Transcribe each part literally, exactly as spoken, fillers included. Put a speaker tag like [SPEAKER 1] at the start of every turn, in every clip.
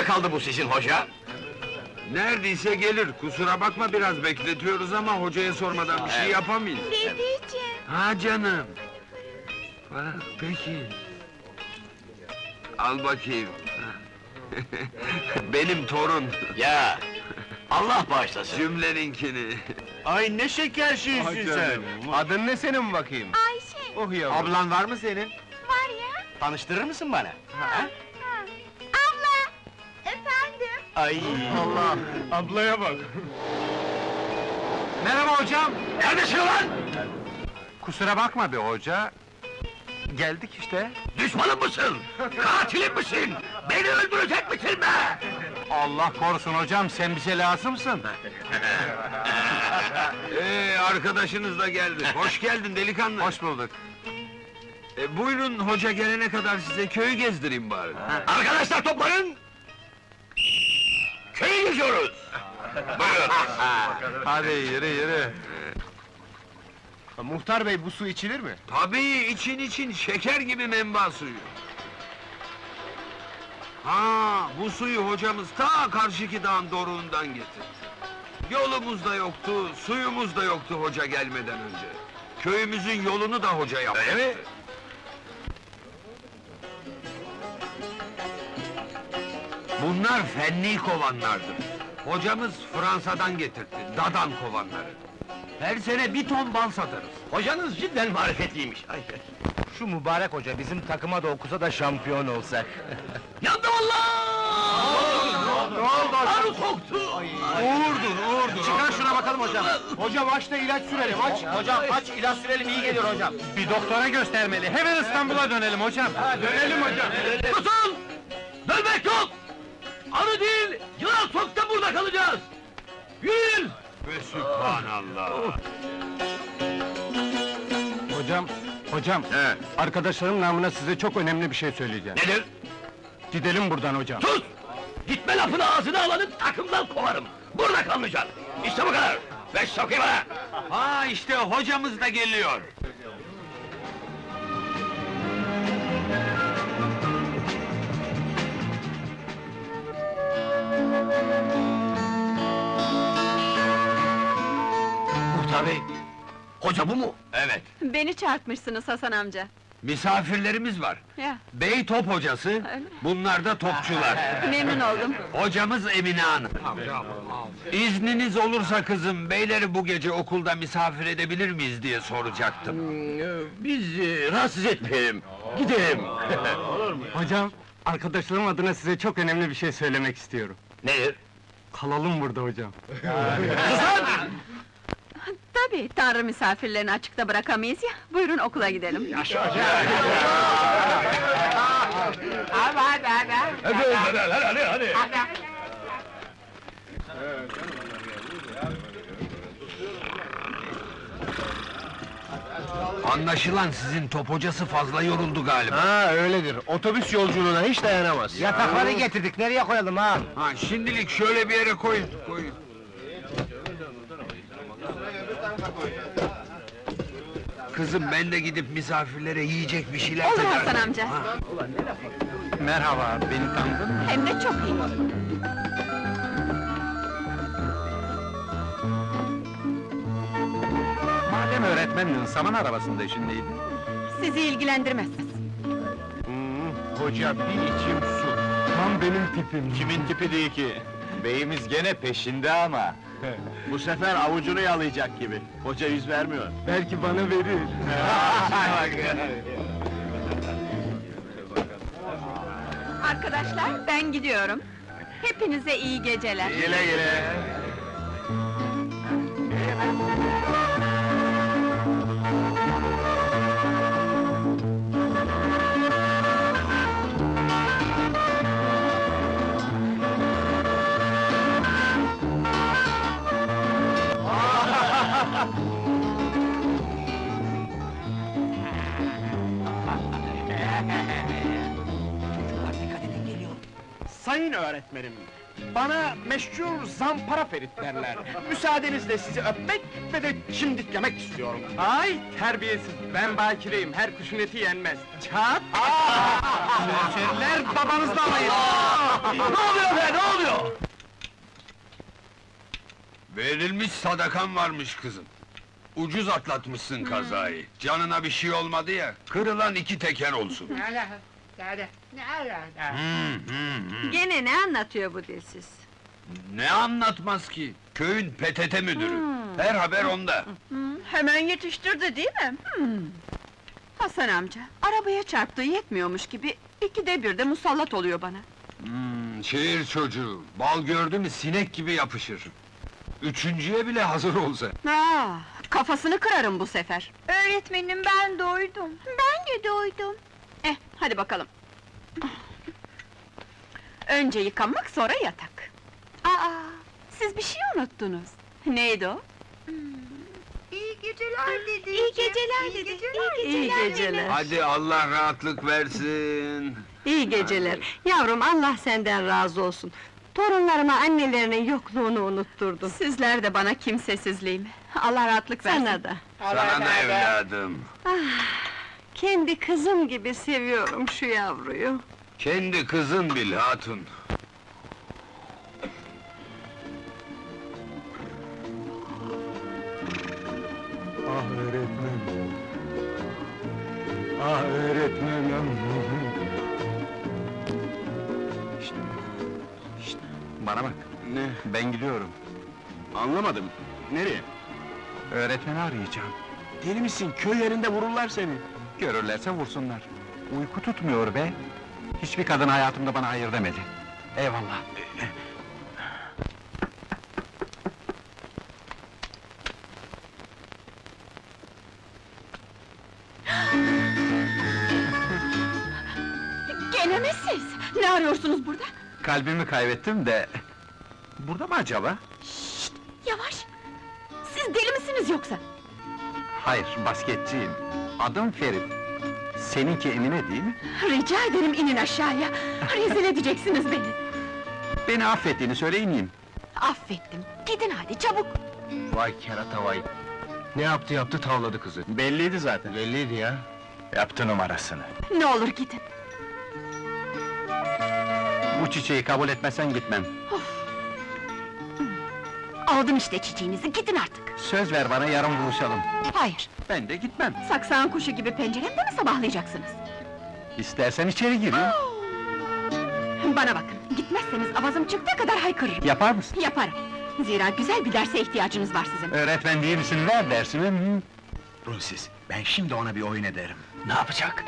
[SPEAKER 1] kaldı bu sizin hoca?
[SPEAKER 2] Neredeyse gelir, kusura bakma biraz bekletiyoruz ama hocaya sormadan bir şey yapamayız.
[SPEAKER 3] Dedeciğim.
[SPEAKER 2] Ha canım! Ha, peki. Al bakayım. Benim torun,
[SPEAKER 1] Ya! Allah bağışlasın!
[SPEAKER 2] cümleninkini.
[SPEAKER 4] Ay ne şeker şiirsin sen! Adın ne senin bakayım?
[SPEAKER 3] Ayşe.
[SPEAKER 4] Oh yavrum! Ablan var mı senin?
[SPEAKER 3] Var ya.
[SPEAKER 4] Tanıştırır mısın bana?
[SPEAKER 3] Ha. Abla. Efendim.
[SPEAKER 4] Ay! Allah! Ablaya bak! Merhaba hocam!
[SPEAKER 1] Neredesin ulan?
[SPEAKER 4] Kusura bakma be hoca! Geldik işte!
[SPEAKER 1] Düşmanım mısın? Katilim misin? Beni öldürecek misin be?
[SPEAKER 4] Allah korusun hocam, sen bize lazımsın!
[SPEAKER 2] Ee, arkadaşınız da geldi. Hoş geldin delikanlı.
[SPEAKER 4] Hoş bulduk!
[SPEAKER 2] E, buyurun, hoca gelene kadar size köyü gezdireyim bari.
[SPEAKER 1] Arkadaşlar toplanın! Köyü geziyoruz! Buyurun!
[SPEAKER 4] Hadi yürü yürü! Muhtar bey, bu su içilir mi?
[SPEAKER 2] Tabii, için için, şeker gibi menba suyu. Ha, bu suyu hocamız ta karşıki dağın doruğundan getirdi. Yolumuz da yoktu, suyumuz da yoktu hoca gelmeden önce. Köyümüzün yolunu da hoca yaptı.
[SPEAKER 1] Öyle mi?
[SPEAKER 2] Bunlar fenni kovanlardır. Hocamız Fransa'dan getirdi, dadan kovanları. Her sene bir ton bal satarız.
[SPEAKER 1] Hocanız cidden marifetliymiş! Ay,
[SPEAKER 4] Şu mübarek hoca bizim takıma da okusa da şampiyon olsak!
[SPEAKER 1] yandım Allah!
[SPEAKER 4] Ne oldu?
[SPEAKER 1] Arı soktu!
[SPEAKER 4] Uğurdur, uğurdur! Çıkar şuna bakalım hocam! Hocam aç da ilaç sürelim, aç! Hocam aç, ilaç sürelim, iyi gelir hocam! Bir doktora göstermeli, hemen İstanbul'a dönelim hocam! Ha, dönelim hocam!
[SPEAKER 1] Susun! Dönmek yok! Arı değil, yılan soksa burada kalacağız! Yürüyün!
[SPEAKER 2] Ve Sübhanallah!
[SPEAKER 4] Hocam, hocam!
[SPEAKER 2] He.
[SPEAKER 4] Arkadaşlarım namına size çok önemli bir şey söyleyeceğim.
[SPEAKER 1] Nedir?
[SPEAKER 4] Gidelim buradan hocam!
[SPEAKER 1] Sus! Gitme lafını ağzına alanı takımdan kovarım! Burada kalmayacaksın! İşte bu kadar! Beş sokayım bana!
[SPEAKER 2] Ha işte hocamız da geliyor.
[SPEAKER 1] Muhtar bey! Hoca bu mu?
[SPEAKER 2] Evet,
[SPEAKER 5] Beni çarpmışsınız Hasan amca.
[SPEAKER 2] misafirlerimiz var.
[SPEAKER 5] Ya,
[SPEAKER 2] Bey top hocası, bunlar da topçular.
[SPEAKER 5] memnun oldum.
[SPEAKER 2] Hocamız Emine Hanım. İzniniz olursa kızım, beyleri bu gece okulda misafir edebilir miyiz diye soracaktım.
[SPEAKER 1] Biz e, rahatsız etmeyelim, gidelim!
[SPEAKER 4] Hocam, arkadaşlarım adına size çok önemli bir şey söylemek istiyorum.
[SPEAKER 1] Nedir?
[SPEAKER 4] Kalalım burada hocam.
[SPEAKER 5] Tabii, Tanrı misafirlerini açıkta bırakamayız ya. Buyurun okula gidelim.
[SPEAKER 1] Hadi, hadi, hadi, hadi!
[SPEAKER 2] Anlaşılan sizin top hocası fazla yoruldu galiba.
[SPEAKER 4] Ha öyledir, otobüs yolculuğuna hiç dayanamaz. Yatakları getirdik, nereye koyalım ha?
[SPEAKER 2] Ha, şimdilik şöyle bir yere koyun, koyun. Kızım, ben de gidip misafirlere yiyecek bir şeyler
[SPEAKER 5] Olur
[SPEAKER 2] tedarik-
[SPEAKER 5] Hasan amca.
[SPEAKER 4] Merhaba, beni tanıdın mı?
[SPEAKER 5] Hem de çok iyi.
[SPEAKER 4] Madem öğretmendin, saman arabasında işin neydi?
[SPEAKER 5] Sizi ilgilendirmez.
[SPEAKER 4] Hmm, hoca bir içim su. Tam benim tipim. Kimin tipi değil ki? Beyimiz gene peşinde ama.
[SPEAKER 6] Bu sefer avucunu yalayacak gibi. Hoca yüz vermiyor.
[SPEAKER 4] Belki bana verir.
[SPEAKER 5] Arkadaşlar, ben gidiyorum. Hepinize iyi geceler.
[SPEAKER 4] Güle güle.
[SPEAKER 6] Sayın öğretmenim, Bana meşhur zampara Ferit derler. Müsaadenizle sizi öpmek ve de çimdiklemek istiyorum.
[SPEAKER 4] Ay terbiyesiz, ben bakireyim, her kuşun eti yenmez. Çat! Serseriler babanızla alayım!
[SPEAKER 1] Ne oluyor be, ne oluyor?
[SPEAKER 2] Verilmiş sadakan varmış kızım. Ucuz atlatmışsın kazayı. Canına bir şey olmadı ya, kırılan iki teker olsun. Hı, hı, hı.
[SPEAKER 5] Gene ne anlatıyor bu dilsiz?
[SPEAKER 2] Ne anlatmaz ki? Köyün P T T müdürü. Her haber onda.
[SPEAKER 5] Hemen yetiştirdi değil mi? Hmm. Hasan amca, arabaya çarptığı yetmiyormuş gibi... ...ikide bir de musallat oluyor bana.
[SPEAKER 2] Hmm, şehir çocuğu, bal gördü mü sinek gibi yapışır. Üçüncüye bile hazır olsa.
[SPEAKER 5] Aa, kafasını kırarım bu sefer.
[SPEAKER 3] Öğretmenim ben doydum. Ben de doydum.
[SPEAKER 5] Eh, hadi bakalım. Önce yıkanmak, sonra yatak. Aa, siz bir şey unuttunuz. Neydi o?
[SPEAKER 3] İyi geceler dedeciğim. İyi geceler dedi. İyi
[SPEAKER 5] İyi geceler.
[SPEAKER 2] Hadi Allah rahatlık versin.
[SPEAKER 7] İyi geceler. Yavrum, Allah senden razı olsun. Torunlarıma annelerinin yokluğunu unutturdun.
[SPEAKER 5] Sizler de bana kimsesizliğimi. Allah rahatlık versin.
[SPEAKER 7] Sana da.
[SPEAKER 2] Sana da evladım.
[SPEAKER 7] Kendi kızım gibi seviyorum şu yavruyu.
[SPEAKER 2] Kendi kızın bil hatun.
[SPEAKER 6] Ah öğretmen! Ah öğretmenim! Şşt! Şşt! Bana bak! Ne? Ben gidiyorum. Anlamadım. Nereye? Öğretmeni arayacağım. Deli misin? Köy yerinde vururlar seni. Görürlerse vursunlar. Uyku tutmuyor be! Hiçbir kadın hayatımda bana hayır demedi. Eyvallah.
[SPEAKER 5] Gene mi siz? Ne arıyorsunuz burada?
[SPEAKER 6] Kalbimi kaybettim de... Burada mı acaba?
[SPEAKER 5] Şşt, yavaş! Siz deli misiniz yoksa?
[SPEAKER 6] Hayır, basketçiyim. Adım Ferit. Seninki Emine değil mi?
[SPEAKER 5] Rica ederim inin aşağıya! Rezil edeceksiniz beni!
[SPEAKER 6] Beni affettiğini söyle ineyim.
[SPEAKER 5] Affettim, gidin hadi çabuk!
[SPEAKER 6] Vay kerata vay! Ne yaptı yaptı tavladı kızı. Belliydi zaten. Belliydi ya. Yaptı numarasını.
[SPEAKER 5] Ne olur gidin!
[SPEAKER 6] Bu çiçeği kabul etmezsen gitmem.
[SPEAKER 5] Aldım işte çiçeğinizi, gidin artık!
[SPEAKER 6] Söz ver bana yarın buluşalım.
[SPEAKER 5] Hayır,
[SPEAKER 6] Ben de gitmem.
[SPEAKER 5] saksağın kuşu gibi penceremde mi sabahlayacaksınız?
[SPEAKER 6] İstersen içeri gireyim.
[SPEAKER 5] Bana bakın, gitmezseniz avazım çıktığı kadar haykırırım!
[SPEAKER 6] Yapar mısın?
[SPEAKER 5] Yaparım! Zira güzel bir derse ihtiyacınız var sizin!
[SPEAKER 6] Öğretmen değil misin? Ver dersimi. Hı. Runsiz, ben şimdi ona bir oyun ederim. Ne yapacak?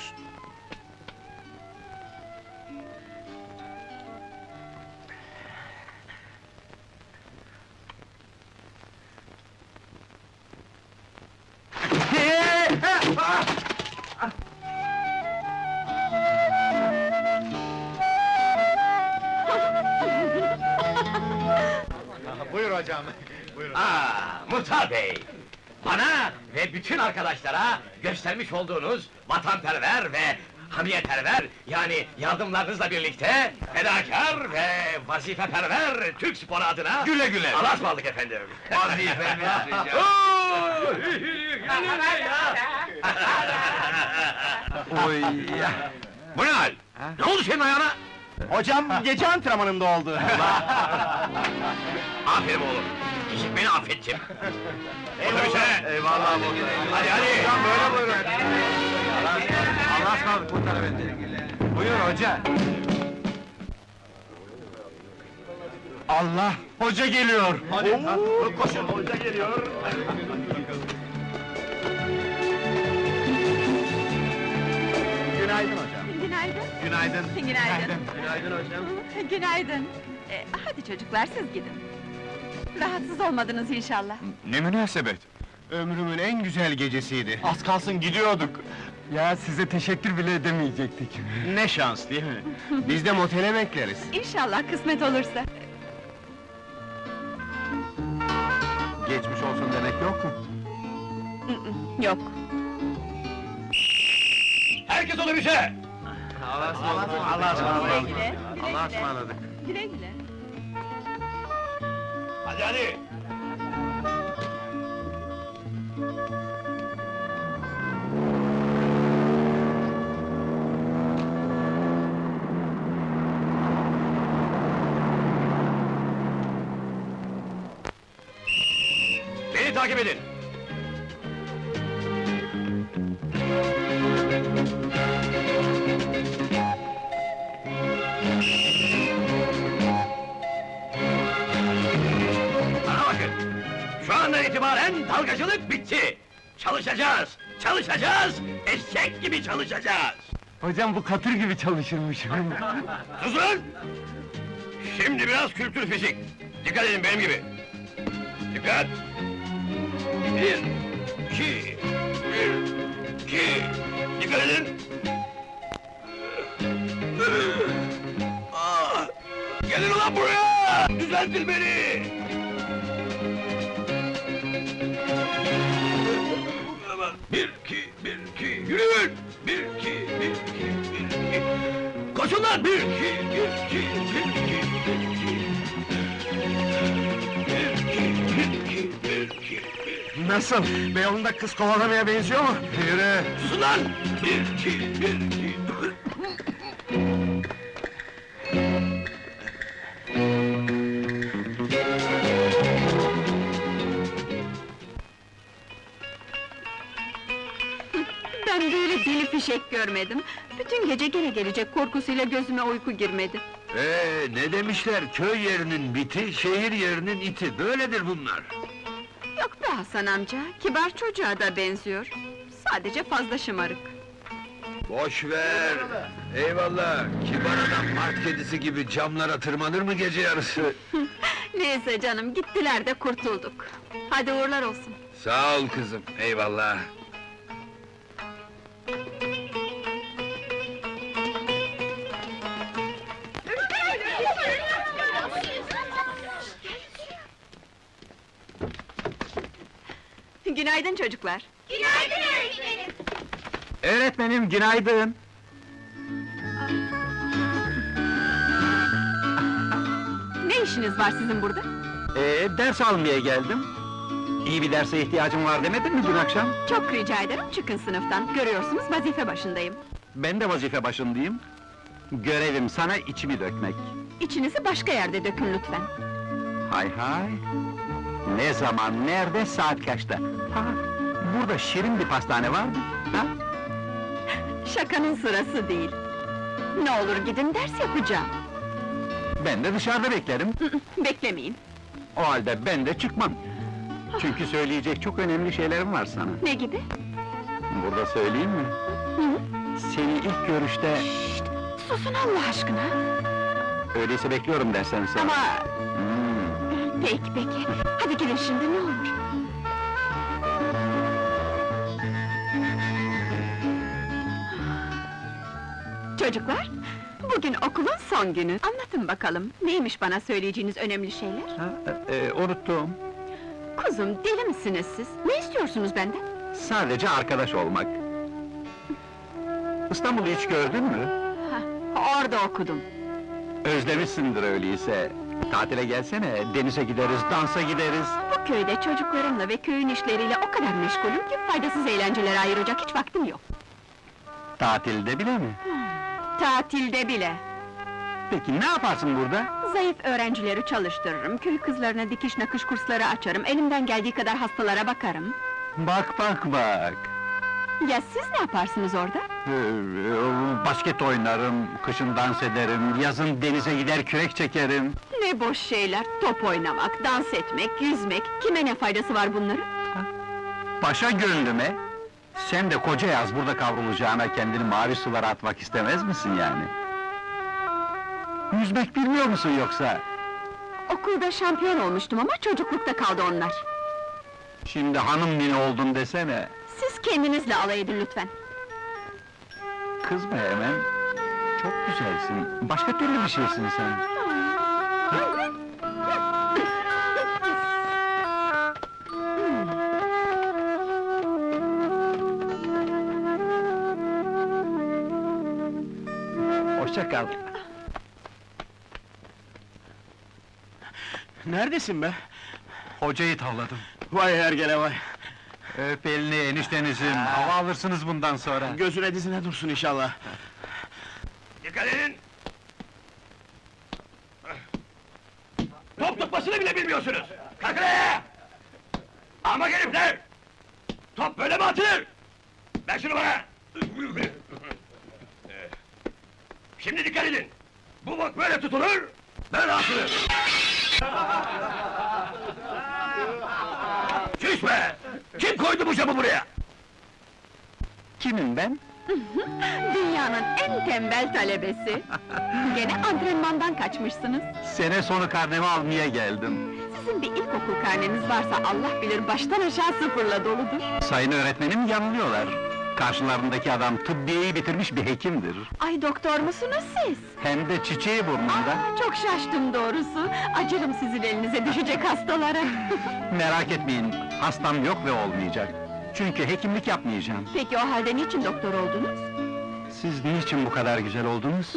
[SPEAKER 4] Buyur hocam!
[SPEAKER 1] Aa, Muhtar Bey! Bana ve bütün arkadaşlara göstermiş olduğunuz vatanperver ve hamiyeperver, yani yardımlarınızla birlikte fedakar ve vazifeperver Türk sporu adına...
[SPEAKER 2] Güle güle!
[SPEAKER 1] Allah'a ısmarladık efendim!
[SPEAKER 2] Vazifemiz rica.
[SPEAKER 6] Oy ya!
[SPEAKER 1] Bu ne hal? Ne oldu senin ayağına?
[SPEAKER 6] Hocam gece antrenmanında oldu.
[SPEAKER 1] Aferin oğlum! Beni affettim! Otobüse!
[SPEAKER 6] Eyvallah.
[SPEAKER 1] Hadi hadi!
[SPEAKER 6] Hocam böyle buyurun. Allah'a ısmarladık Muhtar Efendi. Buyur hoca. Allah! Hoca geliyor! Hadi, koşun, hoca geliyor! Günaydın hocam.
[SPEAKER 5] Günaydın!
[SPEAKER 6] Günaydın.
[SPEAKER 5] Günaydın!
[SPEAKER 6] Günaydın hocam.
[SPEAKER 5] Günaydın! Ee, hadi çocuklar, siz gidin! Rahatsız olmadınız inşallah!
[SPEAKER 6] Ne münasebet! Ömrümün en güzel gecesiydi. Az kalsın gidiyorduk. Ya size teşekkür bile edemeyecektik. Ne şans değil mi? Biz de motele bekleriz.
[SPEAKER 5] İnşallah kısmet olursa!
[SPEAKER 6] Geçmiş olsun demek yok mu?
[SPEAKER 5] Yok!
[SPEAKER 1] Herkes otobüse!
[SPEAKER 6] Allah'a
[SPEAKER 5] Güle güle!
[SPEAKER 6] Allah'a ısmarladık.
[SPEAKER 5] Güle güle!
[SPEAKER 1] Hadi hadi! Beni takip edin! Bana bakın! Şu andan itibaren dalgacılık bitti! Çalışacağız! Çalışacağız! Eşek gibi çalışacağız!
[SPEAKER 6] Hocam bu katır gibi çalışırmış.
[SPEAKER 1] Susun! Şimdi biraz kültür fizik! Dikkat edin benim gibi! Dikkat! Bir, iki, bir, iki, dikkat edin! Ah! Gelin ulan buraya! Düzeltin beni! Bir, iki, bir, iki, yürüyün! Bir, iki, bir, iki, bir, iki... Koşun lan! Bir, iki, bir, iki, bir, iki, bir, iki... Bir, iki, bir, iki, bir, iki, bir...
[SPEAKER 6] Nasıl? Beyoğlu'nda kız kovalamaya benziyor mu? Yürü!
[SPEAKER 1] Susun lan! Bir, iki, bir, iki...
[SPEAKER 5] Ben böyle deli fişek görmedim. Bütün gece gene gelecek korkusuyla gözüme uyku girmedi.
[SPEAKER 2] Ee, ne demişler? Köy yerinin biti, şehir yerinin iti. Böyledir bunlar.
[SPEAKER 5] Yok be Hasan amca, kibar çocuğa da benziyor. Sadece fazla şımarık.
[SPEAKER 2] Boş ver! Eyvallah! Kibar adam park kedisi gibi camlara tırmanır mı gece yarısı?
[SPEAKER 5] Neyse canım, gittiler de kurtulduk. Hadi uğurlar olsun.
[SPEAKER 2] Sağ ol kızım, eyvallah!
[SPEAKER 5] Günaydın çocuklar.
[SPEAKER 3] Günaydın öğretmenim.
[SPEAKER 6] Öğretmenim günaydın.
[SPEAKER 5] Ne işiniz var sizin burada?
[SPEAKER 6] Ee, ders almaya geldim. İyi bir derse ihtiyacım var demedin mi dün akşam?
[SPEAKER 5] Çok rica ederim, çıkın sınıftan. Görüyorsunuz, vazife başındayım.
[SPEAKER 6] Ben de vazife başındayım. Görevim sana içimi dökmek.
[SPEAKER 5] İçinizi başka yerde dökün lütfen.
[SPEAKER 6] Hay hay! Ne zaman, nerede, saat kaçta? Ha, burada şirin bir pastane var mı? Ha?
[SPEAKER 5] Şakanın sırası değil. Ne olur gidin, ders yapacağım.
[SPEAKER 6] Ben de dışarıda beklerim.
[SPEAKER 5] Beklemeyin.
[SPEAKER 6] O halde ben de çıkmam. Çünkü söyleyecek çok önemli şeylerim var sana.
[SPEAKER 5] Ne gibi?
[SPEAKER 6] Burada söyleyeyim mi?
[SPEAKER 5] Hı?
[SPEAKER 6] Seni ilk görüşte...
[SPEAKER 5] Susun Allah aşkına!
[SPEAKER 6] Öyleyse bekliyorum dersen sen.
[SPEAKER 5] Ama...
[SPEAKER 6] Hmm.
[SPEAKER 5] Peki, peki. Hadi gidin şimdi, ne olur. Çocuklar, bugün okulun son günü. Anlatın bakalım, neymiş bana söyleyeceğiniz önemli şeyler?
[SPEAKER 6] Ha, e, unuttum.
[SPEAKER 5] Kuzum, deli misiniz siz? Ne istiyorsunuz benden?
[SPEAKER 6] Sadece arkadaş olmak. İstanbul'u hiç gördün mü?
[SPEAKER 5] Ha, orada okudum.
[SPEAKER 6] Özlemişsindir öyleyse. Tatile gelsene, denize gideriz, dansa gideriz.
[SPEAKER 5] Bu köyde çocuklarımla ve köyün işleriyle o kadar meşgulüm ki faydasız eğlencelere ayıracak hiç vaktim yok.
[SPEAKER 6] Tatilde bile mi?
[SPEAKER 5] Tatilde bile.
[SPEAKER 6] Peki ne yaparsın burada?
[SPEAKER 5] Zayıf öğrencileri çalıştırırım, köy kızlarına dikiş nakış kursları açarım, elimden geldiği kadar hastalara bakarım.
[SPEAKER 6] Bak bak bak!
[SPEAKER 5] Ya siz ne yaparsınız orada?
[SPEAKER 6] Ee, basket oynarım, kışın dans ederim, yazın denize gider kürek çekerim.
[SPEAKER 5] Ne boş şeyler, top oynamak, dans etmek, yüzmek, kime ne faydası var bunların?
[SPEAKER 6] Paşa gönlüme, sen de koca yaz burada kavrulacağına kendini mavi sulara atmak istemez misin yani? Yüzmek bilmiyor musun yoksa?
[SPEAKER 5] Okulda şampiyon olmuştum ama çocuklukta kaldı onlar.
[SPEAKER 6] Şimdi hanım nini oldun desene.
[SPEAKER 5] Siz kendinizle alay edin lütfen.
[SPEAKER 6] Kızma hemen. Çok güzelsin. Başka türlü bir şeysin sen. Hoşça kal.
[SPEAKER 4] Neredesin be? Hocayı tavladım.
[SPEAKER 6] Vay hergele vay!
[SPEAKER 4] Öp elini eniştenizim, hava alırsınız bundan sonra.
[SPEAKER 6] Gözüne dizine dursun inşallah.
[SPEAKER 1] Dikkat edin! Top tutmasını bile bilmiyorsunuz! Kalkın ayağa! Ama herifler! Top böyle mi atılır? Ver şunu bana! Şimdi dikkat edin! Bu bok böyle tutulur, böyle atılır! Çüş be! Kim koydu bu camı buraya?
[SPEAKER 6] Kimim ben?
[SPEAKER 5] Dünyanın en tembel talebesi. Gene antrenmandan kaçmışsınız.
[SPEAKER 6] Sene sonu karnemi almaya geldim.
[SPEAKER 5] Sizin bir ilkokul karneniz varsa Allah bilir baştan aşağı sıfırla doludur.
[SPEAKER 6] Sayın öğretmenim yanılıyorlar. Karşılarındaki adam tıbbiyeyi bitirmiş bir hekimdir.
[SPEAKER 5] Ay doktor musunuz siz?
[SPEAKER 6] Hem de çiçeği burnunda.
[SPEAKER 5] Aa, çok şaştım doğrusu. Acırım sizin elinize düşecek hastalara.
[SPEAKER 6] Merak etmeyin, hastam yok ve olmayacak. Çünkü hekimlik yapmayacağım.
[SPEAKER 5] Peki o halde niçin doktor oldunuz?
[SPEAKER 6] Siz niçin bu kadar güzel oldunuz?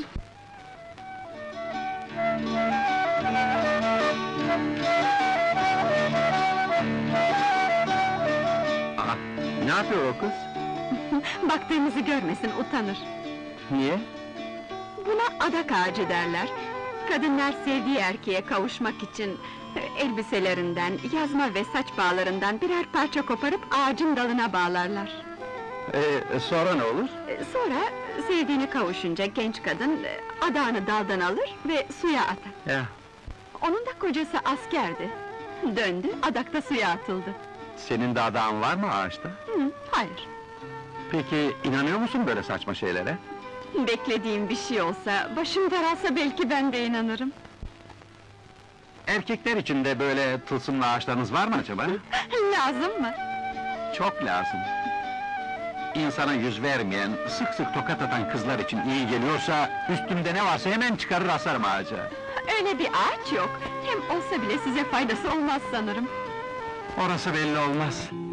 [SPEAKER 6] Aa, ne yapıyor o kız?
[SPEAKER 5] Baktığımızı görmesin, utanır.
[SPEAKER 6] Niye?
[SPEAKER 5] Buna adak ağacı derler. Kadınlar sevdiği erkeğe kavuşmak için e, elbiselerinden, yazma ve saç bağlarından birer parça koparıp ağacın dalına bağlarlar.
[SPEAKER 6] Ee, sonra ne olur?
[SPEAKER 5] E, Sonra sevdiğine kavuşunca genç kadın e, adağını daldan alır ve suya atar.
[SPEAKER 6] Ya,
[SPEAKER 5] Onun da kocası askerdi. Döndü, adakta suya atıldı.
[SPEAKER 6] senin de adağın var mı ağaçta?
[SPEAKER 5] Hı, hayır.
[SPEAKER 6] Peki, inanıyor musun böyle saçma şeylere?
[SPEAKER 5] Beklediğim bir şey olsa, başım daralsa belki ben de inanırım.
[SPEAKER 6] Erkekler için de böyle tılsımlı ağaçlarınız var mı acaba?
[SPEAKER 5] Lazım mı?
[SPEAKER 6] Çok lazım. İnsana yüz vermeyen, sık sık tokat atan kızlar için iyi geliyorsa... ...üstümde ne varsa hemen çıkarır asarım ağaca.
[SPEAKER 5] Öyle bir ağaç yok. Hem olsa bile size faydası olmaz sanırım.
[SPEAKER 6] Orası belli olmaz.